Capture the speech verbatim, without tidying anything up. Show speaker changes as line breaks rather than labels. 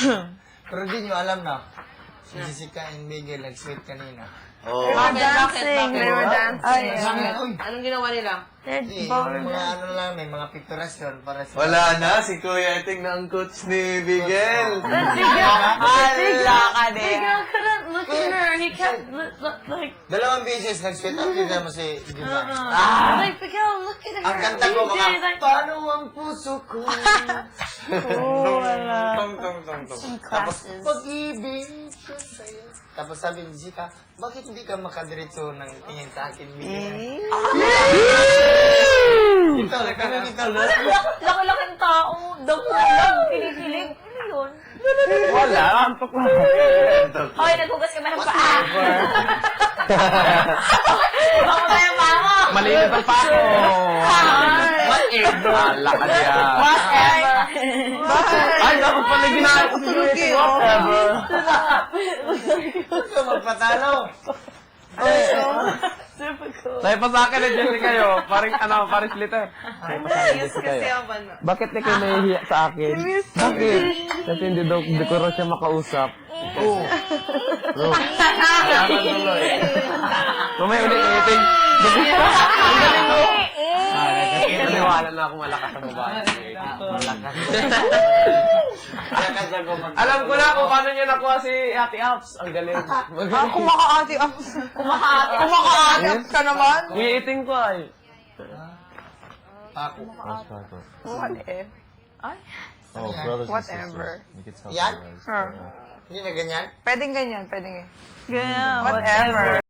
Pero di nyo alam na, si Jessica and Miguel nag-sweet kanina.
Oh.
They were
Bakit?
dancing.
Bakit?
They were dancing.
Ay,
Uy,
Anong ginawa nila?
They're
Hindi,
both.
yung mga ano lang, may mga picturasyon para sa...
Wala na, si Kuya Eting na ang coach ni Miguel.
Hala ka din.
Miguel couldn't look at her. He kept li- li- like,
Dalawang beses nag-sweet up, hindi naman si... Di ba?
uh, like Miguel, look at her.
Ang kanta ko
He
mga,
did, like,
paano ang puso ko?
Oh, wala.
Tong, tong, tong, tong.
Tapos, pag-ibig ko sa'yo. Tapos sabi ni Jessica, bakit hindi ka makadiretso ng tingin sa akin, Miguel? Ito, nagkaroon ito, no?
laki-laki ng tao. Damulang, kinikilig. Ano yun?
Wala. Antok lang.
Hoy, naghugas ka ba ng paa? Baka ba yung paa mo?
Malinis ang pako.
Whatever.
Lakad yan.
Whatever.
Ay, dapat pala ginagawa ko si Kuya. Whatever.
Huwag ka magpatalo.
Dahil pa sa akin na Jessica kayo. Paring ano, paring splitter.
Yes, kasi ako ba?
Bakit di kayo nahihiya sa akin? Bakit? Kasi hindi daw, hindi ko raw siya makausap.
Oo.
Mamaya ulit ulitin. Ang galing mo. Naniwala na akong malakas ang babae.
Malakas. Malakas ako mag-
Alam ko na kung paano niya nakuha si Ate Apps. Ang galing.
Ah, kumakaati up. Kumakaati. Kumakaati up ka naman.
Umiiting ko ay.
Ako.
What if? Ay,
Oh, brothers and
whatever.
sisters. You can tell
Yan?
you guys.
Huh.
Hindi na ganyan?
Pwedeng ganyan, pwedeng ganyan.
Ganyan.
Whatever.